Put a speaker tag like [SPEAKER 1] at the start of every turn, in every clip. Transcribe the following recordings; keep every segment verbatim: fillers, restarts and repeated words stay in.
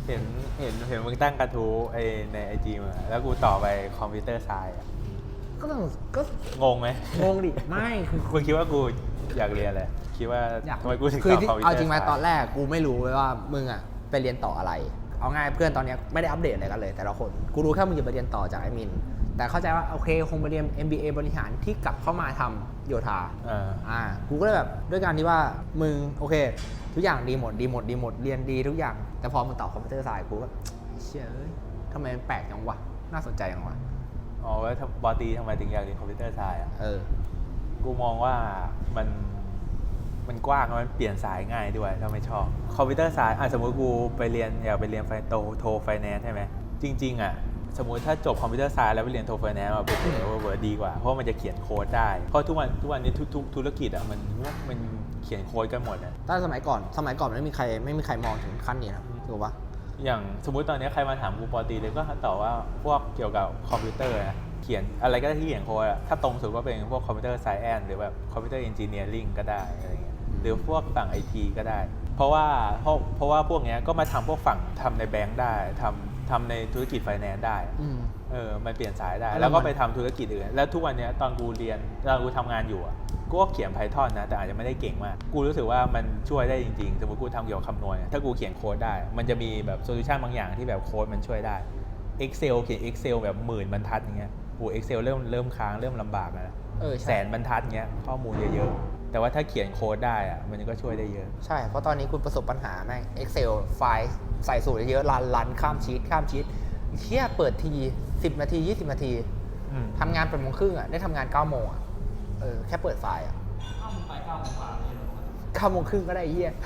[SPEAKER 1] เห็นเห็นเห็นมึงตั้งกระทู้ไอในไอจีมาแล้วกูต่อไปคอมพิวเตอร์ไซน์อะ
[SPEAKER 2] ก็ต้องก็
[SPEAKER 1] งงไหม
[SPEAKER 2] งงดิไม่คือ
[SPEAKER 1] คุณคิดว่ากูอยากเรียนอะไรคิดว่าทำไมกูถึงต่อคอมพิวเตอร์ไซน์
[SPEAKER 2] เอาจริงไหมตอนแรกกูไม่รู้เลยว่ามึงอ่ะไปเรียนต่ออะไรเอาง่ายเพื่อนตอนนี้ไม่ได้อัปเดตอะไรกันเลยแต่ละคนกูรู้แค่มึงจะไปเรียนต่อจากไอ้มินแต่เข้าใจว่าโอเคคงไปเรียน เอ็ม บี เอ บริหารที่กลับเข้ามาทำโยธา
[SPEAKER 1] อ่า
[SPEAKER 2] อ่ากูก็เลยแบบด้วยการที่ว่ามึงโอเคทุกอย่างดีหมดดีหมดดีหมดเรียนดีทุกอย่างแต่พอมึงต่อคอมพิวเตอร์ไซน์กูก็เชื่อเอ้ยทำไมมันแปลกจังวะน่าสนใจจังวะ
[SPEAKER 1] อ๋อแล้วปอตีทำไมถึงอยากเรียนคอมพิวเตอร์ไซน์อ่ะ
[SPEAKER 2] เออ
[SPEAKER 1] กูมองว่ามันมันกว้างมันเปลี่ยนสายง่ายด้วยถ้าไม่ชอบคอมพิวเตอร์ไซน์อ่ะสมมติกูไปเรียนอยากไปเรียนไฟโตโทไฟแนนซ์ใช่ไหมจริงๆอ่ะสมมุติถ้าจบคอมพิวเตอร์ไซน์แล้วไปเรียนโทไฟแนนซ์มาเป็นเออเวิร์ดดีกว่าเพราะมันจะเขียนโค้ดได้เพราะทุกวันทุกวันนี้ทุกๆธุรกิจอ่ะมันมันเขียนโค้ดกันหมดอ่ะ
[SPEAKER 2] ถ้าสมัยก่อนสมัยก่อนไม่มีใครไม่มีใครมองถึงขั้นนี้นะถูกปะ
[SPEAKER 1] อย่างสมมุติตอนนี้ใครมาถามกูปอตีเลยก็ตอบว่าพวกเกี่ยวกับคอมพิวเตอร์นะเขียนอะไรก็ได้ที่เขียนโค้ดอะถ้าตรงสุดก็เป็นพวกคอมพิวเตอร์ไซแอนซ์หรือแบบคอมพิวเตอร์เอนจิเนียริงก็ได้อะไรเงี้ยหรือพวกฝั่ง ไอ ที ก็ได้เพราะว่าเพราะเพราะว่าพวกนี้ก็มาทำพวกฝั่งทำในแบงก์ได้ทำทำในธุรกิจไฟแนนซ์ได้เออมันเปลี่ยนสายได้แล้วก็ไปทำธุรกิจอื่นแล้วทุกวันนี้ตอนกูเรียนตอนกูทำงานอยู่อะกูก็เขียน Python นะแต่อาจจะไม่ได้เก่งมากกูรู้สึกว่ามันช่วยได้จริงๆสมมติกูทำเกี่ยวกับคำนวณถ้ากูเขียนโค้ดได้มันจะมีแบบโซลูชันบางอย่างที่แบบโค้ดมันช่วยได้ Excel เขียน Excel แบบหมื่นบรรทัดอย่างเงี้ยโอ้ Excel เริ่มเริ่มค้างเริ่มลำบากแล้วแสนบรรทัดเงี้ยข้อมูลเยอะๆแต่ว่าถ้าเขียนโค้ดได้อะมันก็ช่วยได้เยอะ
[SPEAKER 2] ใช่เพราะตอนนี้คุณประสบปัญหาแม่ง Excel ไฟล์ใส่สูตรเยอะรันรันข้ามชีตข้ามชีตเที่ยเปิดทีสิบนาทียี่สิบนาทีทำงานแปดโมงครึ่งอ่ะได้ทำงานเก้าโมงอ่ะเออแค่เปิดไฟล์อ่ะ
[SPEAKER 3] เข้าไปเก้าโมงกว่าเลย
[SPEAKER 2] เก้าโมงครึ่งก็ได้เฮีย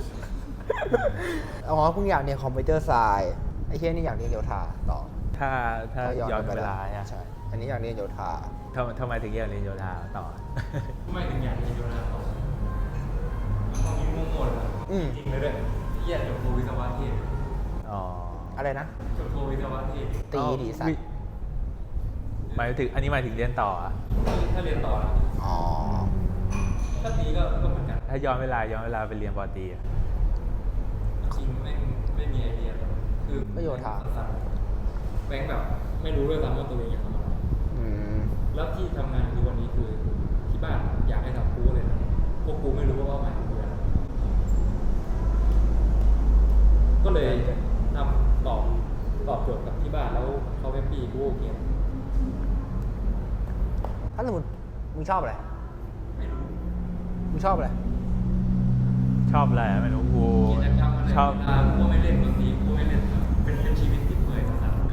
[SPEAKER 2] อ๋อเพิ่งอยากเรียนคอมพิวเตอร์ไซน์ไอ้เฮียนี่อยากเรียนโยธาต่อ
[SPEAKER 1] ถ้าถ้าย้อนเวลา
[SPEAKER 2] ใช่อันนี้อยากเรียนโยธา
[SPEAKER 1] ทำทำไมถึงอยากเรียนโยธาต่อ
[SPEAKER 3] ทำไมถึงอยากเรียนโยธาต่อมันต้องมีมุ่งมั่นจริงเลยด้วยที่อยากจบโทวิศวะเทศ
[SPEAKER 1] อ๋อ
[SPEAKER 2] อะไรนะ
[SPEAKER 3] จบโทวิศวะเทศ
[SPEAKER 2] ตีดีสัตว์
[SPEAKER 1] หมายถึงอันนี้หมายถึงเรียนต่ออ่ะ
[SPEAKER 3] ถ้าเรียนต่อ
[SPEAKER 2] อ๋อ
[SPEAKER 3] ถ้าตีก็ก็เหมือนกัน
[SPEAKER 1] ถ้าย้อนเวลาย้อนเวลาไปเรียนปอตีอ่ะ
[SPEAKER 3] จริงไม่ไม่มีไอเดียคือ
[SPEAKER 2] ก็โยธา
[SPEAKER 3] แบงค์แบบไม่รู้ด้วยซ้ำว่าตัวเองอยากทำอะไรแล้วที่ทำงานคือวันนี้คือที่บ้านอยากให้ทำกูเลยนะพวกกูไม่รู้ว่าเป้าหมายคืออะไรก็เลยทำตอบตอบโจทย์กับที่บ้านแล้วเขาแฮปปี้กูโอเค
[SPEAKER 2] ถ้าสมมติมึงชอบอะไร
[SPEAKER 3] ไม่รู้
[SPEAKER 2] มึงชอบอะไร
[SPEAKER 1] ชอบอะไรไม่รู้กู
[SPEAKER 3] ชอบกูไม่เล่นดนตรีกูไม่เล่นเป็นเป็นชีวิตที่เปื่อยสัส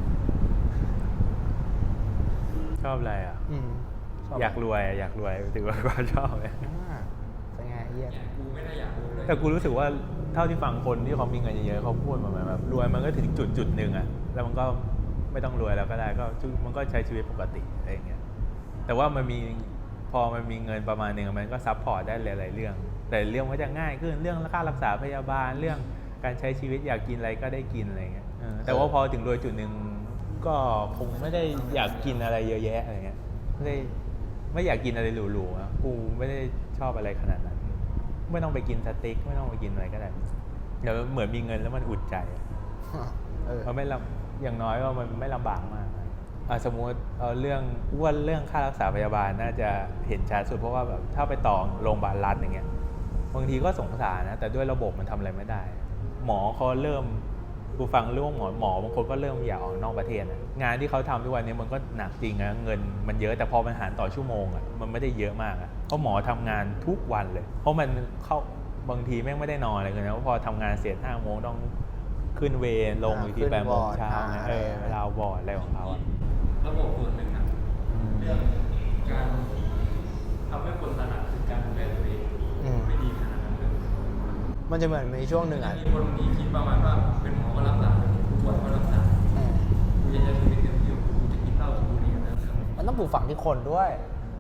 [SPEAKER 1] ชอบอะไรอ่ะอยากรวยอยากรวยถือว่าก็ชอบเลย
[SPEAKER 2] เป็นไงเยี่ย
[SPEAKER 3] กูไม่ได้อยากรวยเลย
[SPEAKER 1] แต่กูรู้สึกว่าเท่าที่ฟังคนที่เขามีเงินเยอะๆเขาพูดมาแบบรวยมันก็ถึงจุดจุดหนึ่งอ่ะแล้วมันก็ไม่ต้องรวยแล้วก็ได้ก็มันก็ใช้ชีวิตปกติอะไรอย่างเงี้ยแต่ว่ามันมีพอมันมีเงินประมาณนึงมันก็ซัพพอร์ตได้หลายๆเรื่องแต่เรื่องก็จะง่ายขึ้นเรื่องค่ารักษาพยาบาลเรื่องการใช้ชีวิตอยากกินอะไรก็ได้กินอะไรเงี้ยแต่ว่าพอถึงโดยจุดหนึ่งก็คงไม่ได้อยากกินอะไรเยอะแยะอะไรเงี้ยไม่ได้ไม่อยากกินอะไรหรูๆนะกูไม่ได้ชอบอะไรขนาดนั้นไม่ต้องไปกินสเต็กไม่ต้องไปกินอะไรก็ได้เดี๋ยวเหมือนมีเงินแล้วมันอุ่นใจมันไม่ลำอย่างน้อยก็มันไม่ลำบากมากสมมติเอาเรื่องว่าเรื่องค่ารักษาพยาบาลน่าจะเห็นชัดสุดเพราะว่าแบบถ้าไปต่อโรงพยาบาลรัฐอย่างเงี้ยบางทีก็สงสารนะแต่ด้วยระบบมันทำอะไรไม่ได้หมอเขาเริ่มกูฟังเรื่องหมอหมอบางคนก็เริ่มอยากออกนอกประเทศนะงานที่เขาทำทุกวันนี้มันก็หนักจริงนะเงินมันเยอะแต่พอมันหารต่อชั่วโมงอ่ะมันไม่ได้เยอะมากอ่ะเพราะหมอทำงานทุกวันเลยเพราะมันเข้าบางทีแม่งไม่ได้นอนอะไรเลยนะเพราะพอทำงานเสร็จห้าโมงต้องขึ้นเวรลงอีกทีแปดโมงเช้าเออเวลาบอร์ดอะไรของเขาอ่ะ
[SPEAKER 3] ระบบส่วนหนึ่งนะเรื่องการทำให้คนตระหนักถึงการดูแลตัวเองไม่ดีขนาดนั้นเลย
[SPEAKER 2] มันจะเหมือนในช่วงหนึ่งอ่ะ
[SPEAKER 3] มีคนมีคิดประมาณว่าเป็นหมอก็รักษาเป็นผู้ป่วยก็รักษากูจะใช้ชีวิตเต็มที่กูจะกินเหล้ากูนี่นะ
[SPEAKER 2] มันต้องปลูกฝังที่คนด้วย